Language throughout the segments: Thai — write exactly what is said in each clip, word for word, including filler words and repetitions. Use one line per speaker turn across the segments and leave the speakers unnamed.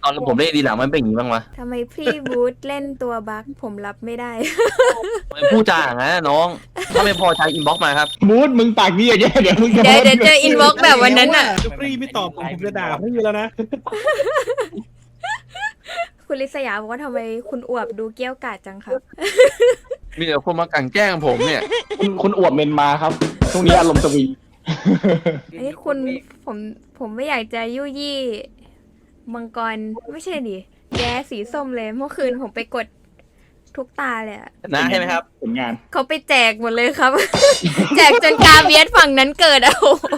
ตอนผมเล่นดีหลังมันเป็นอย่างนี้บ้างวะ
ทำไมพี่บูธเล่นตัวบั๊กผมรับไม่ได้
ไม่พูดจาอย่างนั้นนะน้องถ้าไม่พอใจอินบ็อกมาครับ
บูธมึงปากดีอย่างเงี้ยเดี๋ยวมึงจะ
เดี๋ยวเดี๋ยวเจออินบ็อกแบบวันนั้นอ่ะ
ฟรีไม่ตอบผมผมจะด่าพี่แล้วนะ
คุณลิศยาบอกว่าทำไมคุณอวบดูเกี้ยวกาดจังครับ
มีแต่คนมากลั่นแกล้งผมเนี่ย
คุณคุณอวบเมนมาครับช่วงนี้อารมณ์สวีท
ไอ้ยคุณผมผมไม่อยากจะยุยี่มังกรไม่ใช่ดิแย้สีส้มเลยเมื่อคืนผมไปกดทุกตาเลยอะ
นะใช่ไหมครับ
ผลงาน
เขาไปแจกหมดเลยครับ แจกจนกาเบียสฝั่งนั้นเกิดอะโอ้โห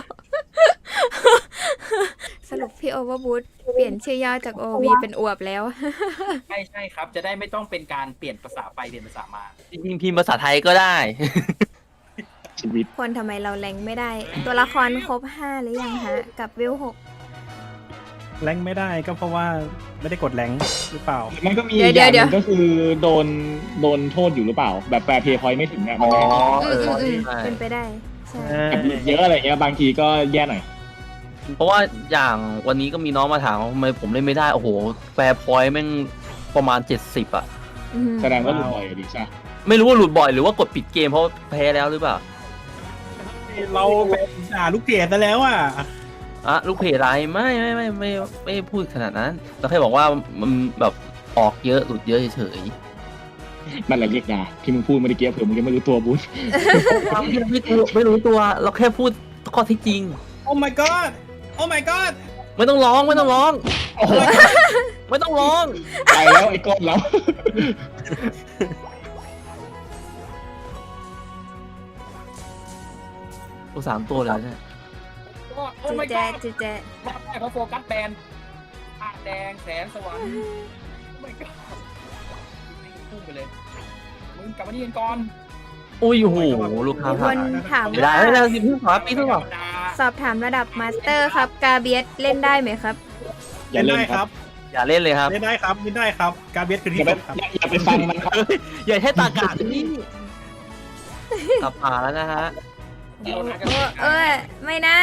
สรุปพี่โอเวอร์บูธเปลี่ยนชื่อย่อจากโอวีเป็นอวบแล้ว
ใช่ใช่ครับ จะได้ไม่ต้องเป็นการเปลี่ยนภาษาไปเปลี่ยนภาษามา
จริงๆพิมพ์ภาษาไทยก็ได้
ชีวิต
คนทำไมเราแรงไม่ได้ ตัวละครครบห้าหรือยังฮะ กับวิวหก
แรงไม่ได้ก็เพราะว่าไม่ได้กดแรงหรือเปล่า
มันก็มี
เดี๋ยว
อย่างห
เดี๋
นึ
ยว
งก็คือโดนโดนโทษอยู่หรือเปล่า แบบแฟร์เพย์พอยต์ไม่ถึงอ่ะ
อ๋
มัน
อ
ไม่
อื
เอ
ม
อ
อืมอืม
ใช่
เป็นไปได้ใช่
เยอะอะไรเงี้ยบางทีก็แย่หน่อย
เพราะว่าอย่างวันนี้ก็มีน้องมาถามว่าทำไมผมเล่นไม่ได้ โอ้โห แฟร์พอยต์แม่งประมาณเจ็ดสิบอะ
อืม
แสดงว่าหลุดบ่อยอะดิใช่
ไม่รู้ว่าหลุดบ่อยหรือว่ากดปิดเกมเพราะแพ้แล้วหรือเปล่า
เราเป็นด่าลูกเพจซะแล้วอ่ะ
อะลูกเพจอะไรไม่ไม่ไม่ไม่ไม่ไม่พูดขนาดนั้นเราแค่บอกว่ามันแบบออกเยอะหลุดเยอะเฉย
มันแหละเรียกยาที่มึงพูดเมื่อกี้เผื่อมึงยังไม่รู้ตัวบูธ
ๆไม่รู้ไม่รู้ตัวเราแค่พูดข้อที่จริง
โอ้ my god โอ้ my god
ไม่ต้องร้องไม่ต้องร้อง
โอ้โห
ไม่ต้องร้อง
ไปแล้วไอ้ก้นแล้ว
ตัวสามตัวเลยเนี่ย
โอ้
จู
ไม่
แจ
ก็
จูแจ
เขาโฟกัสแบนผ้าแดงแสนสวรรค์ไม่ก็พุ่งไปเลย มึงกลับมาที่กันก่อน
อุ้ยโอ้โหลูกค้า
มีค
ผ่าน
นถาม
ไม่ได้
ว่า
ไม่ได้สิพี่ขวาปีเท่าไหร่
สอบถามระดับมาสเตอร์ครับ กาเบียสเล่นได้ไหมครับ
อย่า
เล่น
เล่น
ได้
ค
ค
รั
รับ บ
อย่าเล่นเลยครับ
เล่นได้ครับเล่นได้ครับ การเบียดคือ
อ
ที่
ย่าไป
สุดครับ
อย่าอย่าไปฟังมันครับ
อย่าใช้ตากาที่กลับผ่านแล้วนะฮะ
เดี๋ยวนะ
โอ้เออไม่นะ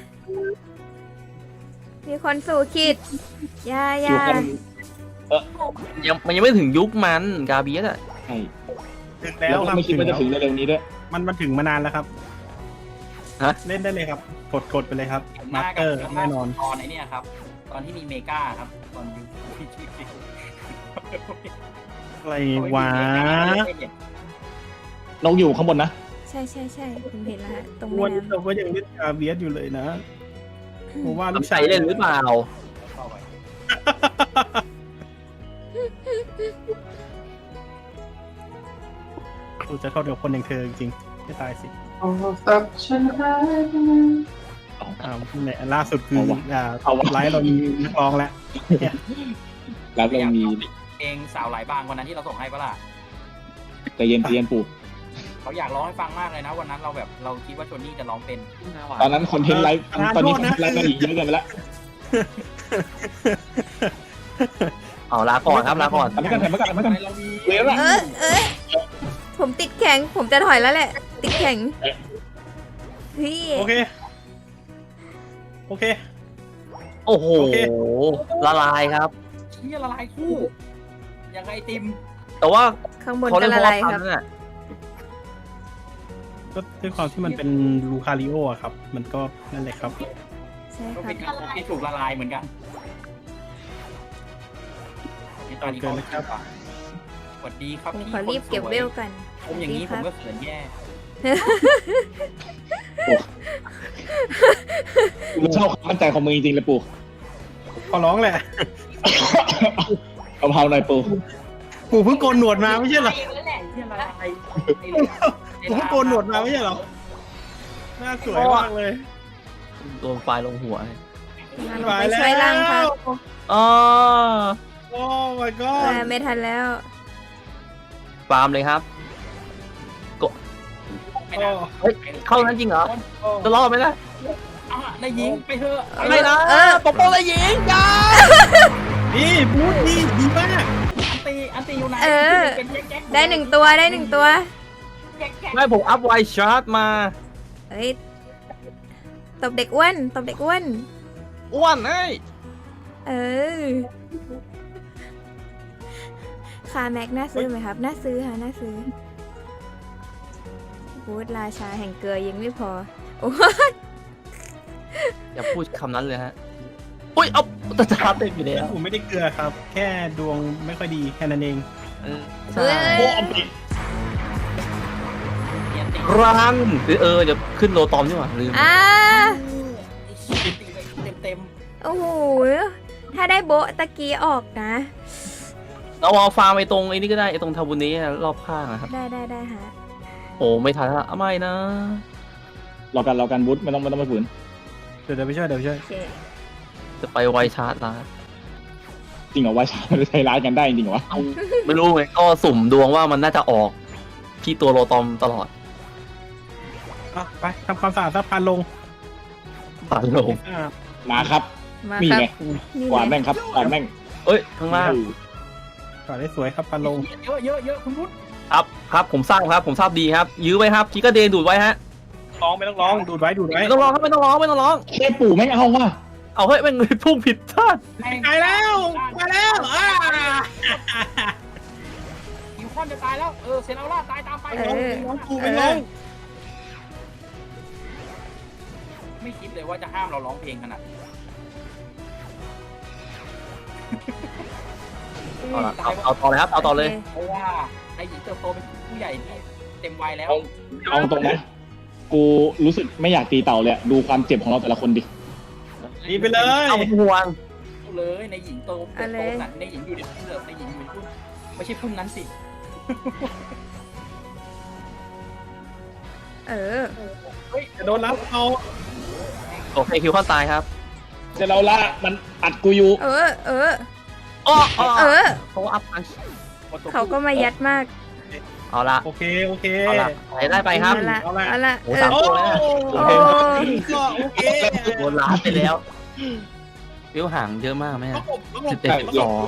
มีคนสู่ขีดอยาอ
อยู่
ยา
กัน
ยังมันยังไม่ถึงยุคมันกาเบียสอะ
ใช่
ถึง
แล้
แล้ว ว
ก็
ครับ
ไม่คิดว่าจะถึง
แล้ว
เร็วๆนี้ด้วย
มันมันถึงมานานแล้วครับ
ฮะ
เล่นได้เลยครับ กดกดไปเลยครับ
ห
มา
น้า
สเต
กั
อร์แน่นอน
ตอนไอ้เนี่ยครับ ตอนที่มีเมกาครับ ตอนยุค
อะไรวะ
นกอยู่ข้างบนนะ
ใช่ใช่ใช่ผมเห็นแล้วฮะตรง
วั
แม่
น
น้
เราก็ยังเล่นการเบียดอยู่เลยนะผมว่าลูก
ใส่เล่นหรือเปล่า
เข้าไป
กูจะเข้าเดียวคนอย่างเธอจริงๆไม่ตายสิ
เอาสักฉันหายไป
อ่าเนี่ยล่าสุดคือ
เอาวะ
อ่า
เอาวะ
ไลฟ์เรามีนักร้องแล้ว
แล้วเรามี
เพลงสาวหลายบางวันนั้นที่เราส่งให้ปะล่ะ
ใจเย็นใจเย็นปู่
เขาอยากร้องให้ฟังมากเลยนะวันนั้นเราแบบเราคิดว่าโชนี่จะร้องเป็น
ตอนนั้นคอนเทนต์ไลฟ์ตอนนี้คอนเทนต์ไลฟ์มันอีกเยอะเกินไปแล้ว
เอาลาก่อนครับลาก่อน
ทำไม่กันทำไม่กันทำไม่กัน
เรามี
เวล
ำ
อะ
เออเออผมติดแข็ง ผมจะถอยแล้วแหละ ติดแข็งพี่
โอเค โอเค
โอ้โห
โอเค
ละลายครับ
เชี่ยละลายคู่ยังไงติม
แต่ว่า
ข้างบน
เขา
ก็
เล่นเพ
ละ
ราะ
ลาย
ว่า
ค
ทั
รับ
นน่ะ
ก็ด้วยความที่มันเป็นลูคาริโออะครับ มันก็นั่นแหละครับ
ใช่
ก็
ครั
เป็
บ
นการที่ถูกละลายเหมือนกันนี่ตอนนี้เขาสวัสดีครับ
ผม
พี่
ขอรีบเก็บเวลกัน
ผมอย่างนี้
ส
ผ
วั
ม
สดี
ก็เขินแย่
กูชอบความมั่นใจของมึงจริงๆเลยปู่
ขอร้องแหละ
เอาเผาหน่อยปู่
กูเพิ่งโกนหนวดมาไม่ใช่เหรอ
ที่ละลาย
กูเพิ่งโกนหนวดมาไม่ใช่เหรอ หน้าสวยมากเลย
โดนไฟลงหัว
งั้นผมไปช่วยล่างครับ
อ๋อ
โอ้ my
เอ
god
อไม่ทันแล้ว
ฟาร์มเลยครับ
ไม่ได้
เฮ้ย เข้านั้นจริงเหรอ จะรอดไหมนะ
อ่ะได้ยิงไปเถอะ
ไม่นะ
เออ
ปกป้องเลยหญิงจ้า
นี่บูธนี่ดีมาก
อันตีอันตีอยู่ไหน
เออ ได้หนึ่งตัวได้หนึ่งตัว
ไม่ผมอัพไวชาร์จมา
เฮ้ย ตบเด็กอ้วน ตบเด็กอ้วน
อ้วนเอ้ย
เออคาแม็กน่าซื้อไหมครับ น่าซื้อค่ะน่าซื้อบูธราชาแห่งเกลือยังไม่พอโอ้
อย่าพูดคำนั้นเลยฮะอุ้ยเอาตาจาเต็มอยู่แล้ว
ผมไม่ได้เกลือครับ แค่ดวงไม่ค่อยดีแค่นั้นเอง
เออ
เฮ้
ใช่
ย
โอ้เอาปิด
เนียนตี
รังหรือเออจะขึ้นโลตอมใช่ไหมลืม
อ่า
ตีไปเต็มเต็ม
โอ้โหถ้าได้โบะตะกี้ออกนะ
เราเอาฟาร์มไปตรงไอ้นี่ก็ได้ไอ้ตรงทาบุนี้รอบข้างนะครับ
ได้ได้ได้ฮะ
โอ้ไม่ทันละไม่นะ
รอกันรอกันบุ๊ทไม่ต้องไม่ต้องไปฝืน
เดี๋ยวเดี๋ยวไปช่วยเดี๋ยวไปช่วย
โอเค
จะไปไวชาร์จละ
จริงเหรอว่าชาจะใช้ร้ายกันได้จริงเหรอวะ
เอาไม่รู้ไงก็สุ่มดวงว่ามันน่าจะออกที่ตัวโลตอมตลอด
อ่ะไปทำความสะอาดสะพานลง
ผ่านลง
อ่า
มาครับ
มา
นี่
ครับ
ไง
นี่
กวาด
ไง
แม่งครับกวาดแม่ง
เอ้ยข้างล่าง
ก่อนได้สวยครับพานลง
เยอะเยอะเยอะคุณพุทธ
ครับครับผมทราบครับผมทราบดีครับ ยื้อไว้ครับกีก็เดนดูดไว้ฮะ
ร้องไม่ต้องร้องดูดไว้ดูดไว้
ไม่ต้องร้องครับไม่ต้องร้องไม่ต้องร้อง
แค่ปู่ไม่เอาว่ะ
เอาเฮ้ยแม่งพุ่งผิดท่าน
แม่ง
ตายแล้วมาแล้วอ่า
คิวคอนจะตายแล้วเออเซนเอาล่าตายตามไป
เออ
ร้องกู
เอ
ไม่ร้อ
อง
ไม่คิดเลยว่าจะห้ามเราร้องเพลงขนาดนี้
เอาละเอาเอาต่อเลยครับเอาต่อเลย
โค
เพราะว่าไอ้หญิงเติบโตเป็นผู้ใหญ่ที่เต็มวัยแล้ว
เอาเอาตรงนะกูรู้สึกไม่อยากตีเต่าเลยอะดูความเจ็บของเราแต่ละคนดิ
ดีไปเลย
เอาห่วง
เลยในหญิงโตเติบโตขนาดในหญิงอยู่ในพุ่มเลยในหญิงอยู่ในพุ่มไม่ใช่พุ่มนั้นสิ
เออ
จะโดนรับเอา
โอเคคิวข้อตายครับ
เสร็จแล้วละมันอัดกูอยู่
เออ เออ
อ้ออ้อ
เออ
เขาอัพอัน
เขาก็มายัดมาก
เอาละ
โอเคโอเค
เอาละไปได้ไปครับ
เอาละ
เอาละ
เอาละ
โอ้
เอ
สาม
อ
ตัวเลยนะ
โอ้
โอ้
ก็โอเค
โดนล้านไปแล้ววิวห่างเยอะมากไหม
ประ
อะ
กบประกบ
สิบเจ็ดสิบสอง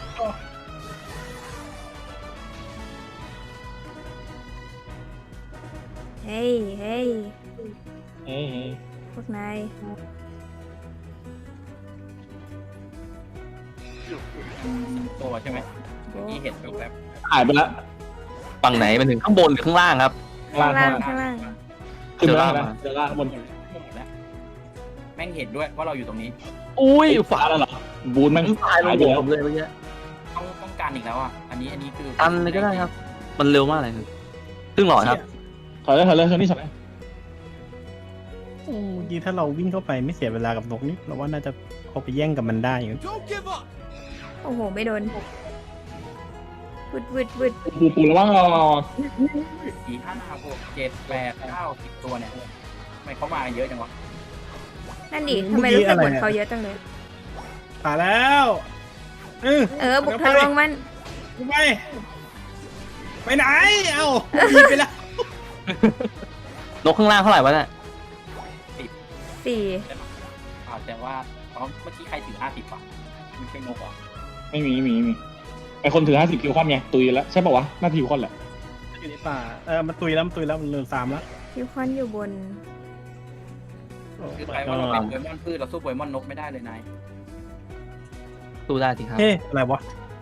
เฮ้ยเฮ้ย
เฮ้ย
พวกนาย
ตัวใช่ไหมเมื่อกี้เห็นแบบ
หายไปแล้ว
ฝั่งไหนมันถึงข้างบนหรือข้างล่างครับ
ข้างล่างข้างล่าง
ขึ้นมา
เจอ
แล้ว
ล่าง
นะเจอล่างข้างบน
แล้วแม่งเห็นด้วยว่าเราอยู่ตรงนี้
อุ้ย
ฟ้าแล้วเหรอบูนแม่ง
ตายล
หาย
ง
ไป
หัว
แล้ว
ผมเลยเมื่อกี้
ต้องต้องการอีกแล้วอ่ะอันนี้อันนี้คือ
ตันเลยก็ได้ครับ มันเร็วมากเลยครับครึ่งหลอดครับ
ถอยเลยถอยเลยถอยนี่ถอย
โอ้ดีถ้าเราวิ่งเข้าไปไม่เสียเวลากับนกนี่เราว่าน่าจะเอาไปแย่งกับมันได้อยู่
โอ้โห ไม่โดนวึดวึดวึด
ปูปูระวังรอ
สี่ห้าหกเจ็ดแปดเก้าสิบตัวเนี่ยทำไมเขามาเยอะจังวะ
นั่นดิทำไมรู้สึกเหมือนเขาเยอะจังเลย
ผ่านแล้วเออ
เออ บุกทะลวงมัน
ไปไปไหนเอ้าดีไปแล้ว
นกข้างล่างเท่าไหร่วะเนี่ย
สี่
อ่าแต่ว่าเพราะเมื่อกี้ใครถือห้าสิบอ่ะมันเป็นนกเหรอ
ไม่มีไม่มีไม่มีไอคนถือห้าสิบคิวคอนไงตุยแล้วใช่ป่าวะหน้าที่คิวคอนแหละ
อยู่ในป่าเออมันตุยแล้วมันตุยแล้วมันเหลือสามแล้ว
คิวคอนอยู่บน
โอ้
คือ
my
ใครว่าเรา
god
เป็นโปเกมอนพืชเราสู้โปเกมอนนกไม่ได้เลยนาย
สู้ได้สิครับ
เฮ้อะไรวะ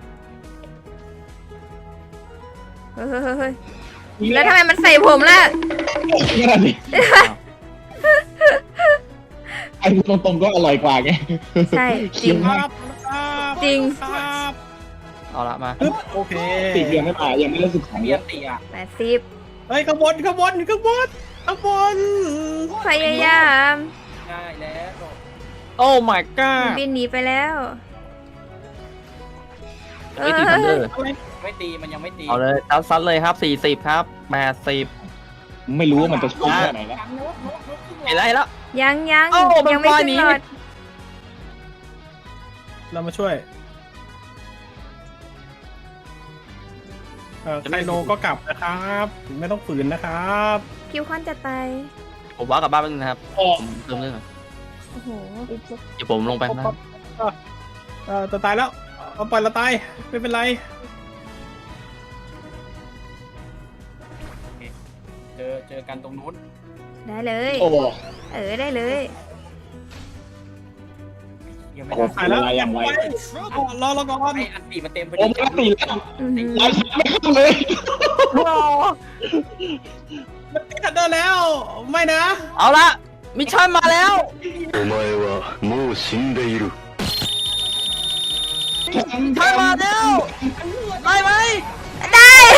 เฮ้ยเฮ้ยเฮ้ยเฮ้ยแล้วทำไมมันใส่ผมล่ะ
นี่แหละสิไอ้พูดตรงๆก็อร่อยกว่าไง
ใช่จริง
ครับครับ
จริง
ครับ
เอาละมา
ปึ๊บโอเค
ติดยังไม่ตายยังไม่ได้สึกของ
เมี
เย
ย
อะ
นตีอ่ะ
แปดสิบ
เฮ้ยขบวนขบวนขบวนขบวน
พยายาม
ง่ายแล้ว
โอ้ my god
บินหนีไปแล้วเอ
ไม่ตีทันเดอ
อ
ร์
ไม่ตีมันยังไม่ตี
เอาเลยซัดซัดเลยครับสี่สิบครับแปดสิบ
ไม่รู้ว่ามันจะช่วยแค่ไหนแล้ว
นกนกนกขึ้น
เห็นแล้วเห็นแล้ว
ยังยัง
เอ้ามัน
ยังไม่
ปล่อย
ขึ้น
หนี
หลอด
เรามาช่วยเออไคโลก็กลับนะครับไม่ต้องฝืนนะครับ
คิวคอนจะตาย
ผมว่ากลับบ้านแป๊บนึงนะครับ
อ๋อ
ผมเติมเรื่องก่อน
โอ้โห
เดี๋ยวผมลงไปข้างล่าง
เออจะตายแล้วเอาปล่อยเราตายไม่เป็นไร
เจอเจอกันตรงนู้น
ได้เลย
โอ้
เออได้เลย
เยังไม่
โอ้
ได้
โหเวลาอย่างไว
อ๋อรอรอก่อน
ไอ้อันตีมันเต็มพอ
โอ้
ดี
มันตีแล้ว
อื้อหือ
ไล่ฉันไม่เข้าเลย
มันติดทันเดอร์แล้ว ไม่นะ
เอาละมิชชั่นมาแล้ว
お前はもう死んでいる。
มิชชั่นมาแล้วได้ไหม
ได้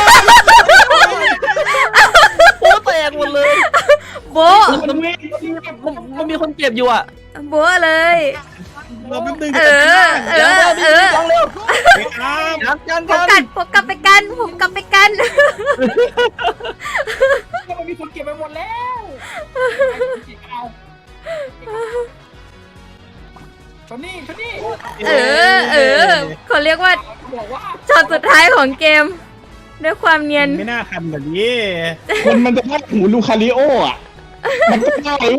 โอ้แตกหมดเลย
โบะ
มันมีมันมันมีคนเจ็บอยู่อ่ะ
โบะเลย
รอแป๊บนึง
เออ เออ เออ
ลองเร็ว
ไปครับ
กันกัน
ผม
กั
กัน ดผมกลับไปกัน ผมกลับไปกัน
มันมีคนเก็บไปหมดแล้วเอาชนนี่ชนนี่
เออ เออเขาเรียกว่า
บอกว่า
ช็อตสุดท้ายของเกม ด้วยความเนียน
ไม่น่าทันแบบนี้
คนมันจะได้หูลูคาริโออ่ะ มันก็ได้เลย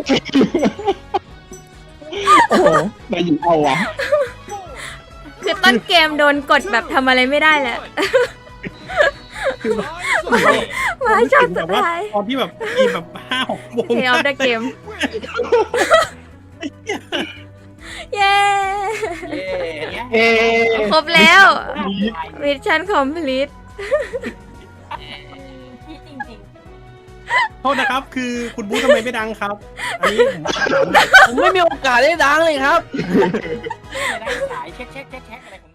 โอ้โหนายหญิงเอาวะ
คือต้นเกมโดนกดแบบทำอะไรไม่ได้แหละ มาช็อตสุดท้าย
ตอนที่แบบทีแบบห้าหกโมง
เพย์ออฟเดอะเกม เย้
เย่เนี่ย
เอ๊
ครบแล้ว มิชชั่นคอมพลีท
พี่จริง
โทษนะครับ คือคุณบู๊ทำไมไม่ดังครับ อันนี้ผมถาม
ผมไม่มีโอกาสได้ดังเลยครับ
ๆไม่ได้สายเช็คเช็คเช็คเช็คอะไรของ